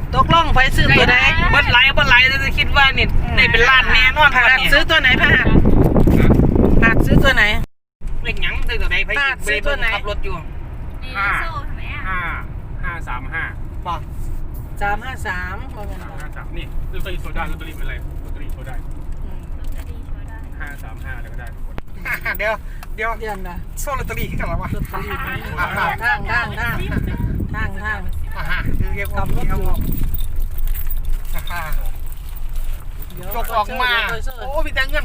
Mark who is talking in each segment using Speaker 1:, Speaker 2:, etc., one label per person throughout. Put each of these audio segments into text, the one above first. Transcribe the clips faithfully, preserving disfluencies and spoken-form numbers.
Speaker 1: ตกลงไปซื้อตัวไหนบัดไหลบัดไหลจะคิดว่านี่ในเป็นล้านแน่นอนผัดซื้อตัวไหนผัดผัดซื้อตัวไหนเล็กหยังซื้อตัวไหนผัดซื้อตัวไหนขับรถอยู่
Speaker 2: ห้าห้าห้าสามห้า
Speaker 1: บอกสามห้าสามบอกเงินห้า
Speaker 2: สามนี่ลอตเตอรี่โซดาลอตเตอรี่เป็นอะไรลอตเตอรี่โซดาห้าสามห้าอะไรก็ได้ทุกคน
Speaker 1: เดี๋ยวเดี๋ยว
Speaker 3: เดือนละ
Speaker 1: โซ่ลอตเตอรี่ขึ้นกันแล้ววะ
Speaker 3: ลอตเตอรี่ทางทางทางทางทางทางทาง
Speaker 1: คือเรียกว่าพี่เอาจกออกมาโอ้มีแต่เงิน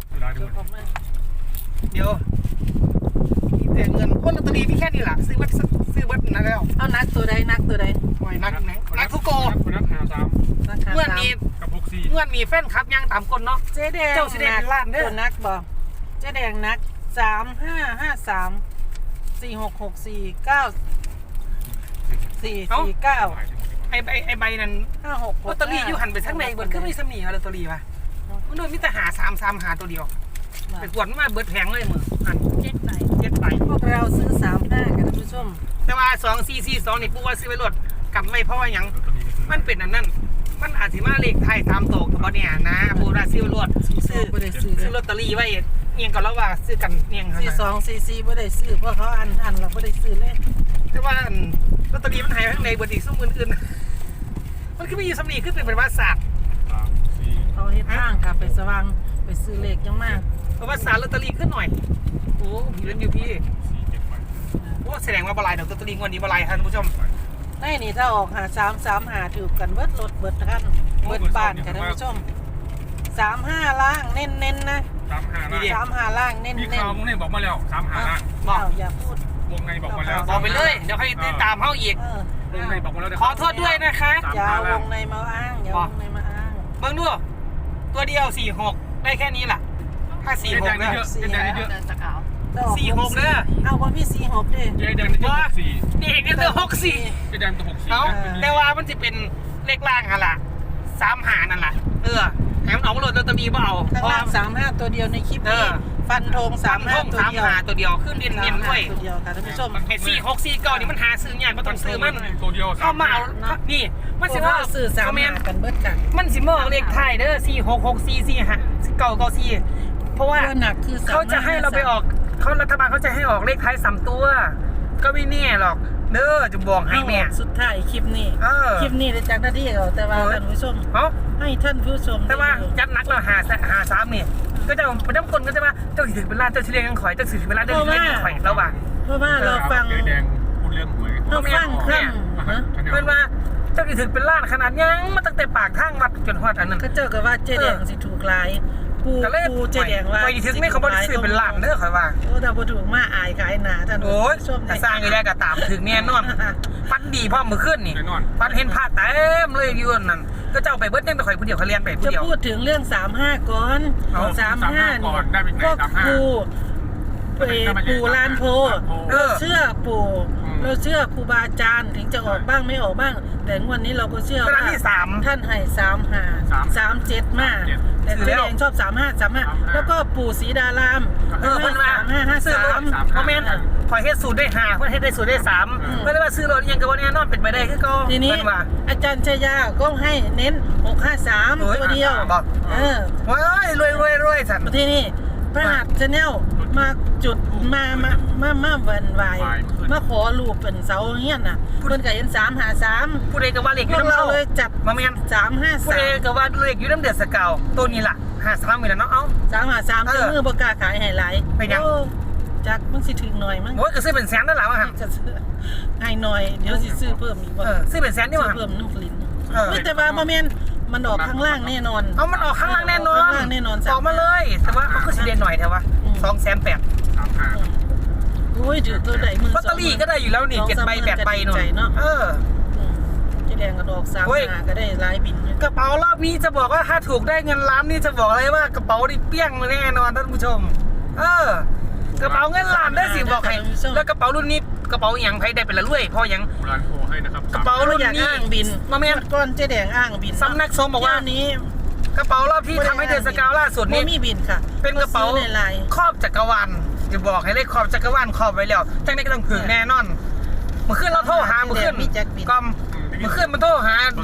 Speaker 1: เดี๋ยวมีแต่เงินคนลอตเตอรี่มีแค่นี้แหละซื้อบัตรซื้อบัตรนั่นแล้ว
Speaker 3: เอานักตัวใดนักตัวใด
Speaker 1: โอ้ยนักไหนนักทุกโก
Speaker 2: นักหาสาม
Speaker 1: เมื่อนี้
Speaker 2: กับหกสี่
Speaker 1: เมื่อมีแฟนคลับยังตามคนเนาะ
Speaker 3: เจ๊แดง
Speaker 1: เจ้าสีแดงล้านเด้อ
Speaker 3: ตัวนักบอกเจ๊แดงนักสามห้าห้าสามสี่หกหกสี่เก้าสี่สี่เก้า
Speaker 1: ไอ้ใบไอ้ใบนั้น
Speaker 3: ห้าหก
Speaker 1: ลอตเตอรี่อยู่หันไปทั้งในเบิร์ดก็ไม่สมีลอตเตอรี่ป่ะมันโดนมิตรหาสามสามหาตัวเดียวไปกวดมาเบิร์ดแพงเลยมืออัน
Speaker 3: เจ็ดใบ
Speaker 1: เจ็ดใบ
Speaker 3: พวกเราซื้อสามห้ากันท่านผู้ชม
Speaker 1: แต่ว่าสองสี่สี่สองนี่ปูว่าซื้อไปรถกำไม่เพราะว่ายังมันเป็นอันนั้นมันอาจจะมาเลขไทยตามโตกับเนี่ยนะปูว่าซื้อไปรถซื้อซื้อลอตเตอรี่ไว้เงียงก่อนแล้วว่าซื้อกันเงียง
Speaker 3: สี่สองสี่สี่ไม่ได้ซื้อเพราะเขาอันอันเราไม่ได้ซื้อเลย
Speaker 1: แต่ว่าลอตเตอรี่มันหายไปข้างในเบิร์ดอีกซุ้มอื่นๆมันคือมีสำนีขึ้นเป็นภาษา
Speaker 3: เขาเฮ็ดทางค่ะไปสว่างไปซื้อเลขยังมาก
Speaker 1: เพราะว่าสารลอตเตอรี่ขึ้นหน่อยโอ้พี่เล่นอยู่พี่โอ้แสดงว่าบลายเดี๋ยวลอตเตอรี่วันนี้บลายท่านผู้ชม
Speaker 3: ได้นี่ถ้าออกหาสามสามหาถือกันเบิดรถเบิดท่านเบิดบ้านค่ะท่านผู้ชมสามห้าล่างเน้นเน้นนะ
Speaker 2: สามห้าล่าง
Speaker 3: สามห้าล่างเน้น
Speaker 2: มี
Speaker 3: เน้น
Speaker 2: ข่าวมึงเนี่ยบอกมาแล้วสามห้าล่าง
Speaker 3: บอกอย่าพูด
Speaker 2: วงในบอกมาแล้ว
Speaker 1: บอกไปเลยเดี๋ยวให้ติดตามเขาอีก
Speaker 2: วงในบอกมาแล้ว
Speaker 1: ขอโทษด้วยนะคะ
Speaker 3: อย่าวงในมาอ้างอย่าวงในมาอ้าง
Speaker 1: เบิ่งดูตัวเดียวสี่หกได้แค่นี้แหละถ้าสี่หกเนี่ยสี่หกเนี่ย
Speaker 3: เอาว่าพี่สี่หกดิ
Speaker 2: เจแดงนี่หกสี่
Speaker 1: นี่เห็นเนี่ยตัวหกสี่
Speaker 2: เจแดงตัวหกสี่
Speaker 1: เอาแต่ว่ามันจะเป็นเลขล่างอะล่ะสามหานั่นแหละเออแถมเอามาโหลดลอตเตอรี่เปล่า
Speaker 3: ข้างล่างสามห้าตัวเดียวในคลิปนี้ฟันธงสามห้าตัวเดียว
Speaker 1: สามหาตัวเดียวขึ้นเน้นเน้นด้วย
Speaker 3: ตัวเดียวค่ะท่านผู้ชม
Speaker 1: ไอ้สี่หกสี่เก้านี่มันหาซื้อยากมันต้องซื้อมัน
Speaker 2: ตัวเดียว
Speaker 1: เข้ามาเอานี่มันสิว่า
Speaker 3: ซื้อสามหากันเบิดกัน
Speaker 1: มันสิมองเลขไทยเด้อสี่หกหกสี่สี่ห้าเก้าเก้าสี่เพราะว่าเขาจะให้เราไปออกเขารัฐบาลเขาจะให้ออกเลขไทยสามตัวก็ไม่แน่หรอกเด้อจะบอกให้แม่
Speaker 3: สุดท้ายคลิปนี้คลิปนี้ได้จากหน้าที่เราแต่ว่าท่านผู้ชมให้ท่านผู้ชม
Speaker 1: แต่ว่าจัดนักเราหาหาซ้ำนี่ก็จะเป็นน้ำคนก็จะว่าเจ้าถือเป็นล้านเจ้าเฉลี่ยยังข่อยเจ้าถือเป็นล้านเจ้าเฉลี่ยยังข่อยแล้วว่า
Speaker 3: เพราะว่าเราฟัง
Speaker 2: แดงพูดเรื่องหวย
Speaker 3: เราฟังค
Speaker 1: ำเพื่อนว่าเจ้าถือเป็นล้านขนาดยังมาตั้งแต่ปากทางวัดจนฮอดอันนั้น
Speaker 3: ก็เจอกับว่าเจ๊แดงสิถูกลายปูปูเจ๊แดงว่า
Speaker 1: ไปถึงไม่เขาบอกซื้อเป็นล้านเด้อข่อยว่า
Speaker 3: โอ้ถ้าบ่ถูกมาอายขายหนาท่าน
Speaker 1: โอ้ยแต่สร้างอีแรกก็ตามถึงแน่นอนฟันดีพ่อมือขึ้นนี่ฟันเห็นผ้าเต็มเลยยืนนั่นก็เจ้าไปเบิดยังไปข่อยผู้เดียวเขาเรียนไปผู้เดียว
Speaker 3: จะพูดถึงเรื่องสามห้าก่อนสามห้านี่ก็ปูปู่ลานโพเราเชื่อปู่เราเชื่อครูบาอาจารย์ถึงจะออกบ้างไม่ออกบ้างแต่วันนี้เราก็เชื่อว่าท่านให้สามห้าสามเจ็ดมากแต่เจ๊แดงชอบสามห้าสามห้าแล้วก็ปู่ศรีดาราม
Speaker 1: เออมันมา
Speaker 3: สามห้าห้าสาม
Speaker 1: คอมเมนต์ขอเฮ็ดสูตรได้ห้าเพื่อให้ได้สูตรได้สามเพื่อว่าซื้อรถยังกับวันนี้นอนเป็นไปได้คือก็
Speaker 3: ทีนี้อาจารย์ชยาก็ให้เน้นหกห้าสามตัวเดียวเออ
Speaker 1: ว้ายรวยรวยรวยสัตว์
Speaker 3: ทีนี้พระหัตถ์ชาแนลมาจุดมามามามาวันวายมาขอรูปเป็นเสาเงี้ยน่ะเพิ่นก็เห็นสามหาสาม
Speaker 1: ผู้ใดก็ว่าเลขอยู่น้ำ
Speaker 3: เราเลยจับ
Speaker 1: มาเมียน
Speaker 3: สามห้าสาม
Speaker 1: ผู้ใดก็ว่าเลขอยู่น้ำเดือดสกาวตัวนี้ล่ะห้าสามมีแล้วเนาะเอ้า
Speaker 3: สามหาสามเมือประกาศขายให้หลาย
Speaker 1: ไปยัง
Speaker 3: จักมันสิถึงหน่อยมั้ง
Speaker 1: โอ้ยก็ซื้อเป็นแสนนั่นแหละวะฮะ
Speaker 3: ให้หน่อยเดี๋ยวสิซื้อเพิ่มอีกว่า
Speaker 1: ซื้อเป็นแสนดีกว่า
Speaker 3: เพิ่มน้ำกลิ่นไม่แต่ว่ามาเมียนมันออกข้างล่างแน่นอน
Speaker 1: เอามันออกข้างล่างแน่นอน
Speaker 3: แน่นอน
Speaker 1: ออกมาเลยแต่ว่าเขาก็สิเด่นหน่อยแต่ว่าสองแสนแปด
Speaker 3: โอ้ยถือตัวใดมือ
Speaker 1: ลอตเตอรี่ก็ได้อยู่แล้วนี่เจ็ดใบแปดใบหน่อยเออ
Speaker 3: เจ๊แดงกระดอกสามหาก็ได้หลายบิน
Speaker 1: กระเป๋ารอบนี้จะบอกว่าถ้าถูกได้เงินล้านนี่จะบอกเลยว่ากระเป๋านี่เปี้ยงแน่นอนท่านผู้ชมเออกระเป๋าเงินล้านได้สิบอกใครแล้วกระเป๋ารุ่นนี้กระเป๋าอย่างใครได้เป็นละรวยพออย่าง
Speaker 2: ร้านโพให้นะครับ
Speaker 1: กระเป๋ารุ่นนี้
Speaker 3: บิน
Speaker 1: มาเมียน
Speaker 3: ก้อนเจ๊แดงอ้างบิน
Speaker 1: สำนักสงฆ์บอกว่า
Speaker 3: นี้
Speaker 1: กระเป๋ารอบที่ทำให้เดือนสกาวล่าสุดนี้
Speaker 3: มีบินค่ะ
Speaker 1: เป็นกระเป๋าครอบจักรวาลจะบอกให้เลยครอบจักรวาลครอบไว้แล้วจังได้ก็ต้องถึงแน่นอนเมื่อคืนเราโทรหาเมื่อคืนกอมเมื่อคืนมันโทรหา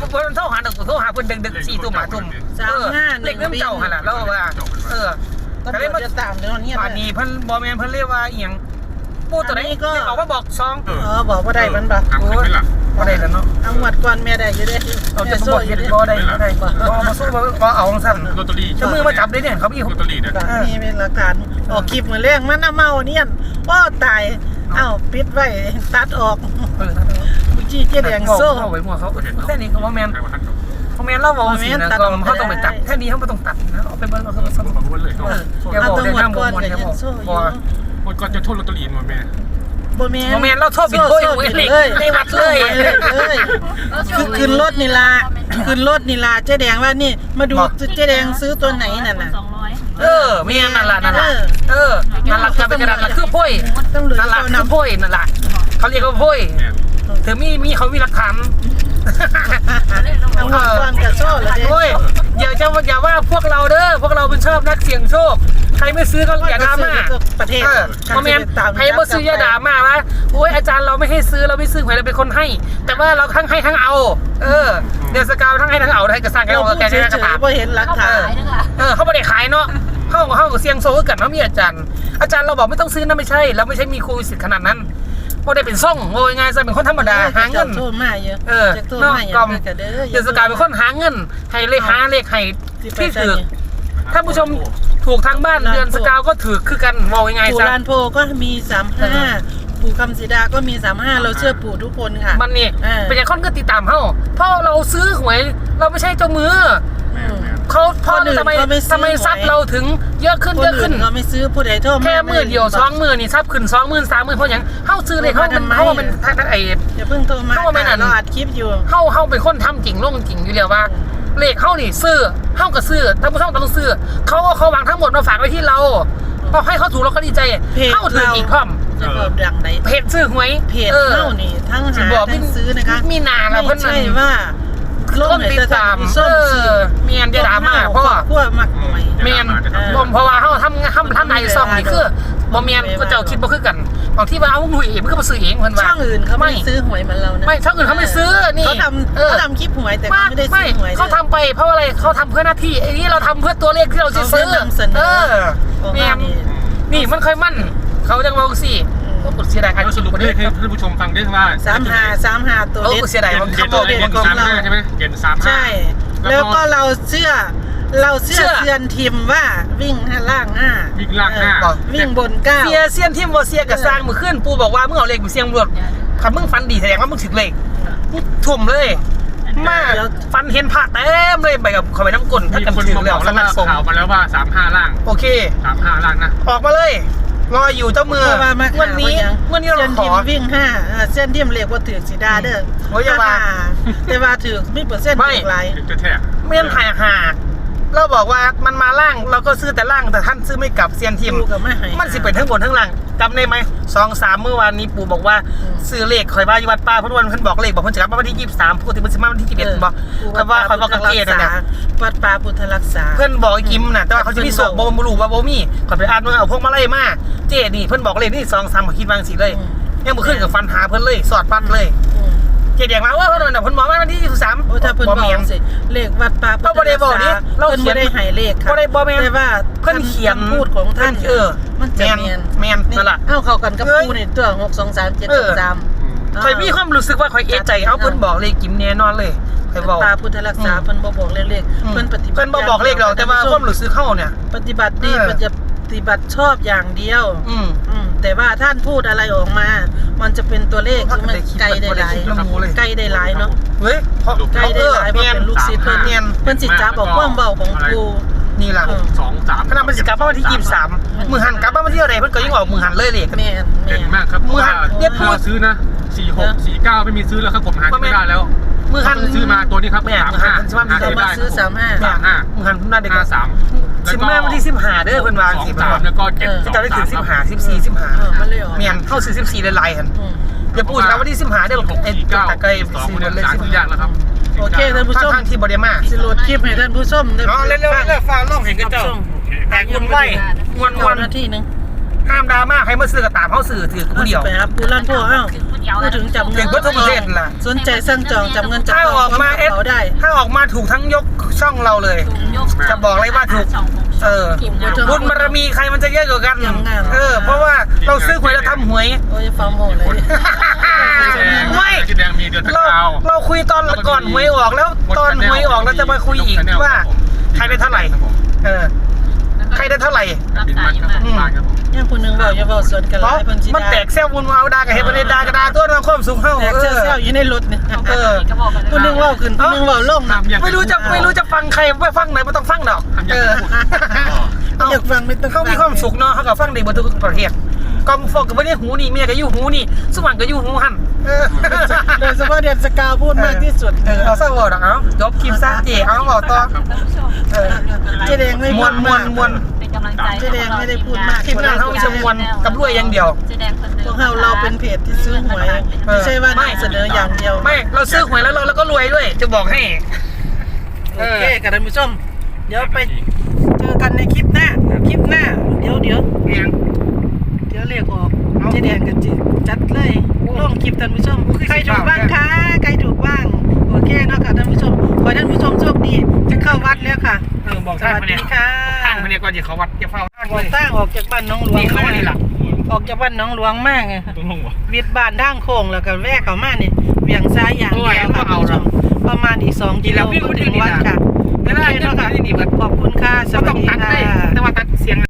Speaker 1: มันโทรหาดอกโทรหาเพิ่นดึกๆสี่ทุ่มห้าทุ่ม
Speaker 3: สามห้าห
Speaker 1: เล
Speaker 3: นึ่
Speaker 1: ข
Speaker 3: ง
Speaker 1: เริ่มเจ้าหั่นล่ะแล้วว่าเออ
Speaker 3: ตำรวจจะตามเดี๋ยวนี้
Speaker 1: ป่านนี้เพิ่นบ่แม่นเพิ่นเรียกว่าอีหยังปูตัวไหนก็ออกมาบอกซอง
Speaker 3: อ๋อบอกว่าได้มันปะ
Speaker 2: ทำไม่เป็นหรอ
Speaker 1: บ่ได้แล้วเนาะ
Speaker 3: เอาหมดก่อนแม่ได้อยู่เด้
Speaker 1: เอาจะบ่เฮ็ดบ่ได้บ่ได้บ่มาสู้บ่เอาจังซั่น
Speaker 2: ลอตเตอรี่
Speaker 1: จะมือมาจับได้เนี่ยเขามี
Speaker 2: ลอตเตอรี่เนี่ย
Speaker 3: มีเป็นหลักฐานออกคลิปมือแรกมันน่าเมาเนี่ยว้าตายเอ้าปิดไว้ตัดออก
Speaker 1: เออ
Speaker 3: จี้เจ๊แดงโซ่
Speaker 1: เข้าไว้หัวเขาแค่นี้ก็บ่แม่นบ่แม่นเราเว้าสินะก็เขาต้องไปตัดแค่นี้เขาบ่ต้องตัดนะเอาไปเบิ่งเอาเขา
Speaker 2: ขอบคุณเลย
Speaker 1: เอออย่า
Speaker 3: เอา
Speaker 1: บอก
Speaker 3: ตำ
Speaker 1: ได้
Speaker 3: รวจ
Speaker 1: ห้าม
Speaker 3: ก่อน
Speaker 1: บ่
Speaker 3: กับ
Speaker 1: อย่า
Speaker 3: ยั
Speaker 1: บอก
Speaker 3: นโซ่อยู่
Speaker 1: บ่
Speaker 2: คนก่อนจะโทษลอตเตอรี่มาแม่
Speaker 3: บ่แม่
Speaker 1: บ่แม่นเราโทษผิดโพยเว้ยเลยในวัดเลย
Speaker 3: เลยคือขึ้นรถนี่ล่ะขึ้นรถนี่ล่ะเจ๊แดงว่านี่มาดูเจ๊แดงซื้อตัวไหนนั่นน่ะ
Speaker 1: เออแม่นนั่นล่ะนั่นล่ะเออนั่นล่ะก็เป็นกระดาษล่ะคือโพย
Speaker 3: ต้องเหลือ
Speaker 1: นั่นล่ะ
Speaker 3: เอา
Speaker 1: คือ
Speaker 3: นำ
Speaker 1: โพยนั่นล่ะเขาเรียกว่าโพยถึงมีมีเขามีหลักฐาน
Speaker 3: เอาหมดก่อนกับโซ่เลย
Speaker 1: โอ้ยอย่าจะอย่าว่าพวกเราเด้อพวกเราเป็นชอบนักเสี่ยงโชคใครไม่ซื้อก็อย่าดราม่า
Speaker 3: ประเทศ
Speaker 1: เออคอมเมนต์ใครไม่ซื้ออย่าด่ามาว่าโอ้ยอาจารย์เราไม่ให้ซื้อเราไม่ซื้อหวยเราเป็นคนให้ แต่ว่าเราทั้งให้ทั้งเอา เออเดี๋ยวสกาวทั้งให้ทั้งเอาได้กระสังแก
Speaker 3: เรา
Speaker 1: เรา
Speaker 3: พูด
Speaker 1: แก
Speaker 3: เฉ
Speaker 1: จะ
Speaker 3: ย
Speaker 1: กระตา
Speaker 3: ๆพอเห็นหลักฐาน
Speaker 1: เออเขาไม่ได้ขายเนาะเขาเขาเสี่ยงโชคกันเขามีอาจารย์ อาจารย์เราบอกไม่ต้องซื้อนะไม่ใช่เราไม่ใช่มีครูสิทธิ์ขนาดนั้นก็ได้เป็นซ่องโง่ง่ายๆเป็นคนธรรมดาหาเงิน
Speaker 3: โทษมาเยอะ
Speaker 1: เออ
Speaker 3: จะโทษ
Speaker 1: นอก
Speaker 3: มาเย
Speaker 1: กอ
Speaker 3: อะ
Speaker 1: ม
Speaker 3: กันเด้อ
Speaker 1: เดือนสกายเป็นคนหาเงิน ให้เลขหาเลขให้ที่ถือถ้าผู้ชมถูกทางบ้านเดือนสกาวก็ถือคือกันมองยังไง
Speaker 3: ปู่
Speaker 1: ซะ
Speaker 3: ลานโพก็มีสามห้าปู่คำศรีดาก็มีสามห้าเราเชื่อปู่ทุกคนค่ะ
Speaker 1: มันนี่
Speaker 3: เออ
Speaker 1: เป็นอย่างคนก็ติดตามเขาเพราะเราซื้อหวยเราไม่ใช่เจ้ามือ
Speaker 3: อืม
Speaker 1: เขาเพราะ
Speaker 3: คนอื่น
Speaker 1: ทำไม
Speaker 3: ก็ไม่ซื้อ
Speaker 1: ทำไมทรัพย์เราถึงเยอะขึ้น
Speaker 3: คน
Speaker 1: เยอะ
Speaker 3: อื่
Speaker 1: ขึ้
Speaker 3: น
Speaker 1: น
Speaker 3: ก็ไม่ซื้อผู้ใดโทษ
Speaker 1: แค่มือเดียวสองมือนี่ทรัพย์ขึ้นสองหมื่นสามหมื่นเพราะอย่างเขาซื้อเลยเขาเป็นเขาเป็นไอ้
Speaker 3: อย่าเพิ่งโทรมา
Speaker 1: เข้ามาไม่นาน
Speaker 3: เราอัดคลิปอยู่
Speaker 1: เฮาเฮาเป็นคนทำจริงลงจริงอยู่แล้วว่าเลขเฮานี่ซื้อเฮาก็ซื้อท่านผู้ชมต้องซื้อเขาก็เขาวางทั้งหมดมาฝากไว้ที่เราพอให้เขาถูกเราก็ดีใจ
Speaker 3: เพจ
Speaker 1: เฮาถืออีกพร้อม
Speaker 3: จะบอกดังใด
Speaker 1: เพจซื้อหวย
Speaker 3: เพจ
Speaker 1: ออ
Speaker 3: เท่านี่ทั้ง
Speaker 1: สิ
Speaker 3: หา
Speaker 1: บอก
Speaker 3: ทั้งซื้อนะคะ
Speaker 1: มีนาแล้วเพิ่น
Speaker 3: ไม่ใช่ว่าโลก
Speaker 1: ต้น
Speaker 3: ไหน
Speaker 1: ติด
Speaker 3: จะ
Speaker 1: ตาม
Speaker 3: ทำ
Speaker 1: เอ
Speaker 3: ส้มสี
Speaker 1: อเมียนจะด่ามาเพราะว่า
Speaker 3: พวกมักหวย
Speaker 1: เมียนบ่เพราะว่าเฮาทำทำทำในซ่องนี่คือบ่เมียนก็เจ้าคิดบ่คือกันบางที่ว่าเอาหนุ่ยเองมันก็มาซื้อเองเพิ่นว่า
Speaker 3: ช่องอื่นเขาไม่ซื้อหวยเหมือนเรานะ
Speaker 1: ไม่ช่องอื่นเขาไม่ซื้อนี่
Speaker 3: เขาทำ
Speaker 1: เออ
Speaker 3: เขาทำคลิปหวยแต่เขาไม่ได้ซื้อหวย
Speaker 1: เขาทำไปเพราะอะไรเขาทำเพื่อหน้าที่ไอ้นี่เราทำเพื่อตัวเลขที่เราจะซื้อ
Speaker 3: เขาเพื่อนำเสนอ
Speaker 1: เออ
Speaker 3: โอ้
Speaker 1: เนี่ย
Speaker 3: นี่
Speaker 1: นี่มันเคยมั่นเขาจังว่าสิโอ้กูเสียดายใคร
Speaker 2: แล้วสรุป
Speaker 1: คน
Speaker 2: ให้
Speaker 1: นี้
Speaker 2: ท่านผู้ชมฟังได้ว่า
Speaker 3: สามหาสามหาตัว
Speaker 1: โอ้
Speaker 3: เล็ก
Speaker 1: กูเสียดาย
Speaker 2: เด่น
Speaker 1: มัน
Speaker 2: เด่
Speaker 1: เขา
Speaker 2: น
Speaker 1: บอก
Speaker 2: เด่
Speaker 1: เด่
Speaker 2: น
Speaker 1: นกอง
Speaker 2: สาม
Speaker 1: เรา
Speaker 2: ห้าใช่ไหมเด่นสามห้า
Speaker 3: ใช่ แล้วก็เราเชื่อ เราเชื่อ
Speaker 1: เชื่อ
Speaker 3: เซียนทีมว่าวิ่งห้าล่างห้า
Speaker 2: วิ่งล่างห้า
Speaker 3: เออวิ่งบนเก้า
Speaker 1: เสียเสียนที่มัวเสียกับสร้างมือขึ้นปูบอกว่ามึงเอาเลขมึงเสียงรวดคำมึงฟันดีแสดงว่ามึงถึงเลขมึงทุ่มเลยมากฟันเห็นผ่าเต็มเลยไปกับเขาไปน้ำกลนถ้า
Speaker 2: มี
Speaker 1: กัน
Speaker 2: คน
Speaker 1: ถึง
Speaker 2: มาบ
Speaker 1: แล้
Speaker 2: อ
Speaker 1: ว
Speaker 2: ก
Speaker 1: ส
Speaker 2: แล้ว
Speaker 1: นั
Speaker 2: ว่า
Speaker 1: บสนุน
Speaker 2: ข่าวมาแล้วว่าสามห้าล่าง
Speaker 1: โอเค
Speaker 2: สามห้าล่างนะ
Speaker 1: ออกมาเลยรออยู่เจ้ามือ
Speaker 3: เพราะว่ามา
Speaker 1: วันนี้วันนี้
Speaker 3: เส้
Speaker 1: เรา
Speaker 3: น
Speaker 1: ข
Speaker 3: ที
Speaker 1: อ
Speaker 3: มวิ่งห้าเออเส้นทีมเรียกว่าถือสีดาเด้อ
Speaker 1: โอ้ยอย่าว่า
Speaker 3: แต่ว่าถือไม่เปอร์เซ็นต์
Speaker 1: ไม่
Speaker 3: ถือไร
Speaker 2: ถึงจะแท้
Speaker 1: เมียนหายหาเราบอกว่ามันมาล่างเราก็ซื้อแต่ล่างแต่ท่านซื้อไม่กลับเซียนทีม
Speaker 3: ดูกับไม่หาย
Speaker 1: มันสิเป็นทั้งบนทั้งล่างจำได้ไหมสองสามเมื่อวานนี้ปู่บอกว่า
Speaker 3: อืม
Speaker 1: ซื้อเลขคอยบ้าอยู่วัดป้าเพราะวันเพิ่นบอกเลขบอกเพิ่นจะกลับมาวันที่ยี่สิบสามพูดถึงมันสิมาวันที่ยี่สิบเอ็ดบอกแต่ว่าคอยบอกกับเกศนั่นแหละ
Speaker 3: วัดป่าพุทธรักษา
Speaker 1: เพิ่นบอกไอ้กิมน่ะแต่ว่าเขาจะมีโศกบ่บ่รู้ว่าบ่มีก่อนไปอ่านว่าเอาพวกมาไล่มาเจนี่เพิ่นบอกเลขนี่สองสามคิดวางสิเลย
Speaker 3: อืม
Speaker 1: ยังบ่ขึ้นกับฟันหาเพิ่นเลยสอดปัดเลย
Speaker 3: อืม
Speaker 1: เจเดียงมาว่าเพิ่นน่ะเพิ่นบอกว่าวันที่ยี่สิบสาม
Speaker 3: โอ้ถ้าเพิ่นบ
Speaker 1: แม่
Speaker 3: อน กสิเลขวัดป่าพุทธ
Speaker 1: เราบ่ได้
Speaker 3: รัก
Speaker 1: บอก
Speaker 3: ษา
Speaker 1: ดิเรา
Speaker 3: เพิ่น
Speaker 1: เขีย
Speaker 3: บ่
Speaker 1: น
Speaker 3: ได้ให้เลขค่ะ
Speaker 1: บ่ได้บ่แม่น
Speaker 3: แต่ว่า
Speaker 1: เพิ่นเขียน
Speaker 3: คำพูดของท่าน
Speaker 1: เออ
Speaker 3: มันจะ
Speaker 1: แม่น
Speaker 3: แม่น
Speaker 1: แม่นนั่นล่ะ
Speaker 3: เอ้าเข้ากันกับ
Speaker 1: เอ้ย
Speaker 3: ปูนี่ตัวหก สอง สาม เจ็ด
Speaker 1: เอ
Speaker 3: ส
Speaker 1: อ
Speaker 3: อง สาม
Speaker 1: คอยมีความรู้สึกว่าคอยเอะใจเอาเพิ่นบอกเลขกิมแน่นอนเลยคอยบอก
Speaker 3: ตาพุทธรักษาเพิ่นบ่บอกเลขๆเพิ่นปฏิบัติ
Speaker 1: เพิ่นบ่บอกเลขเราแต่ว่าความรู้สึกเข้าเนี่ย
Speaker 3: ปฏิบัติดี
Speaker 1: เออ
Speaker 3: ปฏิบัติชอบอย่างเดียว
Speaker 1: อืม
Speaker 3: อืมแต่ว่าท่านพูดอะไรออกมา มันจะเป็นตัวเลขคือมันไกลได้หลาย
Speaker 1: บ่ได้คิดเลย
Speaker 3: ไกลได้หลายเนาะ
Speaker 1: เฮ้ยเพราะ
Speaker 3: ไกลได้หลายเพราะเป็นลูกศิษย์เพิ่น
Speaker 1: เนียน
Speaker 3: เพิ่นสิจับบอกความเบาของครู
Speaker 1: นี่ล่ะ
Speaker 3: เออ
Speaker 2: สองสาม
Speaker 1: ขนาดมันสิกลับมาวันที่ยี่สิบสามมือหันกลับมาวันที่อะไรเพิ่นก็ยังบอกมือหันเลยเลย
Speaker 3: แม่นแม่
Speaker 2: เด่น
Speaker 3: น
Speaker 2: มากครับ
Speaker 1: เมื่อ
Speaker 2: ว่า
Speaker 1: เนี่ยพูด
Speaker 2: ถ้าซื้อนะสี่หกสี่เก้าไม่มีซื้อแล้วครับผมหาไม่ได้แล้ว
Speaker 1: มือหัน
Speaker 2: ซื้อมาตัวนี้ครับ
Speaker 1: แม่
Speaker 2: สาม
Speaker 1: มือหั
Speaker 2: ห้าน
Speaker 1: สิมา
Speaker 2: หา
Speaker 3: เรา
Speaker 2: ซื้อ
Speaker 3: มา
Speaker 2: ได้
Speaker 3: ซื้อสามห้า
Speaker 2: สามห้า
Speaker 1: มือหันหน้าเด็ก
Speaker 2: ห้าสาม
Speaker 1: สิบห้าวันที่สิบห้าเด้อเพิ่นวาง
Speaker 2: สอง
Speaker 1: สิบ
Speaker 2: สามแล้วก็เจ็ด
Speaker 1: จะได้ถึงสิบห้าสิบสี่สิบห้า
Speaker 3: เออมันเลยออก
Speaker 1: เมียนเข้าซื้อสิบสี่หลายๆหั่น
Speaker 3: อืม
Speaker 1: อย่าพูดนะวันที่สิบห้าเด้อ
Speaker 2: หก
Speaker 1: ไอ้
Speaker 2: สี่เก้า
Speaker 1: ตะไคร้
Speaker 2: สอง
Speaker 1: ซื้อ
Speaker 2: เนี่ย
Speaker 1: เลย
Speaker 2: สาม
Speaker 1: สิบ
Speaker 2: ซื้อยากแล้วครับ
Speaker 3: โอเคท่านผู้ชม
Speaker 1: ทางที่บ่ได้มา
Speaker 3: สิโหลดคลิปให้ท่านผู้ชมได้
Speaker 1: อ๋อเร็วๆเร็วๆฟ้าลงเห็นกันเจ้าแตกวุ่นวายม่วน
Speaker 3: เก้านาทีหนึง
Speaker 1: ๆห้ามดราม่าใครมาซื้อก็ตามเฮาซื้อถือผู้เดียว
Speaker 3: ไปครับปูลั่นพ่อเอ้าพูดถึงจับเงิ
Speaker 1: ถึ
Speaker 3: น
Speaker 1: งพุทธประเทศล่ะ
Speaker 3: สนใจสั่งจองจับเงินจับ
Speaker 1: ถ้า
Speaker 3: ท
Speaker 1: อ
Speaker 3: อ
Speaker 1: อง กมาเอส
Speaker 3: เขาได้
Speaker 1: ถ้าออกมาถูกทั้งยกช่องเราเลย จะบอกเลยว่าถูก เออบุญบารมีใครมันจะเยอะกว่ากัน เออ เพราะว่าเราซื้อหวยเราทำหวย
Speaker 3: โอ้ยฟาร์มโมเลย
Speaker 1: ไม่
Speaker 2: จุดแดงมีเดือนตะ
Speaker 1: เรา
Speaker 2: กาว
Speaker 1: เราคุยตอนก่อนหวยออกแล้วตอนหวยออกเราจะมาคุยอีกว่าใครได้เท่าไหร่ เออ ใครได้เท่าไหร่
Speaker 2: บินมันครับผมบ้านครับผม
Speaker 3: เนี่ยผู้หนึงบอกอย่าบอกสวนกันห
Speaker 1: เพ
Speaker 3: ลา
Speaker 1: ราะ
Speaker 3: ยเพิ่นสิ
Speaker 1: มัน
Speaker 3: ด่า
Speaker 1: แตกแซวบุญวาวดากับเฮปเนดากระดาตัวน้ำข้อมสูงเฮ้า
Speaker 3: แตก
Speaker 1: เอ
Speaker 3: เซี่ยว
Speaker 1: อ
Speaker 3: เซี่ยวอยู่ในรถเนี่ย
Speaker 1: เออ
Speaker 3: ผู้หนึงเว่าขึ้นผู้หนึงเว่าลงนะ
Speaker 1: ไม่รู้จะไม่รู้จะฟังใครไม่ฟังไหนไม่ต้องฟังดอก เออ
Speaker 3: อยากฟังไม่ต้อง
Speaker 1: เขามีความสุขเนาะเขาก็ฟังได้หมดทุกประเทศกองฟอกกับไม่ได้หูนี่เมียก็อยู่หูนี่สว่างก็อยู่หูหันเออ
Speaker 3: โดยเฉพาะเดือนสกาวพูดมากที่สุด
Speaker 1: เออเอาซะวอดอกเอาจบคลิปซะเจ๋เอาบอกต่อเออ
Speaker 3: เจ๊แดงไม่
Speaker 1: ม
Speaker 3: พู
Speaker 1: ว
Speaker 3: ด
Speaker 1: นมว
Speaker 3: มาน ก
Speaker 1: มวน
Speaker 4: เป็นกำลังใจ
Speaker 3: เจ๊แดงไม่ได้พูดมาก
Speaker 1: คลิปนั้นเขามีจะมวนกับรวยอย่างเดียว
Speaker 4: เจ๊แดงคนเดิม
Speaker 3: พวกเราเราเป็นเพจที่ซื้อหวยไม่ใช่ว่า
Speaker 1: ไม่
Speaker 3: นำเสนออย่างเดียว
Speaker 1: ไม่เราซื้อหวยแล้วเราแล้วก็รวยด้วย จะบอกให้
Speaker 3: โอเคค่ะท่านผู้ชมเดี๋ยวไปเจอกันในคลิปหน้าคลิปหน้าเดี๋ยวเดี๋ยว
Speaker 1: เพียง
Speaker 3: เดี๋ยวเรียกออกเจ๊แดงกันจิจัดเลยลงคลิปท่านผู้ชมใครถูกบ้างคะใครถูกบ้างโอเคเนาะค่ะท่านผู้ชมขอให้ท่านผู้ชมโชคดีจะเข้าวัดแล้วค่ะ
Speaker 1: เออบอก
Speaker 3: ส
Speaker 1: ทาง
Speaker 3: วัส
Speaker 1: มา
Speaker 3: ดี
Speaker 1: เนี่ย
Speaker 3: ค่ะ
Speaker 1: ทางมาเนี่ยก่อนจะเขาวัดจะเฝ้าทาง
Speaker 3: อ
Speaker 1: เล
Speaker 3: อก
Speaker 1: ย
Speaker 3: ตั้งออกจากบ้านน้องหลวง
Speaker 1: นี่เขาว่านี่ล่ะ
Speaker 3: ออกจากบ้านน้องหลวงมากไง
Speaker 2: ต้องลงวะ
Speaker 3: วิดบ้านทางโค้งแล้วก็แวะเข้ามาเนี่ยเบี่ยงซ้ายอย่างเดียวค่ะท่านผู้ชมประมาณอีกสองกิโลก็ถึงวัดค่ะ
Speaker 1: ไม่ได้
Speaker 3: โอเค
Speaker 1: เนาะ
Speaker 3: เนาะ
Speaker 1: ค่ะ
Speaker 3: ค่ะ
Speaker 1: นี่นี่เบิด
Speaker 3: ขอบคุณค่ะส
Speaker 1: ก็
Speaker 3: วัส
Speaker 1: ต้อง
Speaker 3: ดี
Speaker 1: ตัด
Speaker 3: ค่
Speaker 1: เลย
Speaker 3: ะ
Speaker 1: แต่ว่าตัดเสียง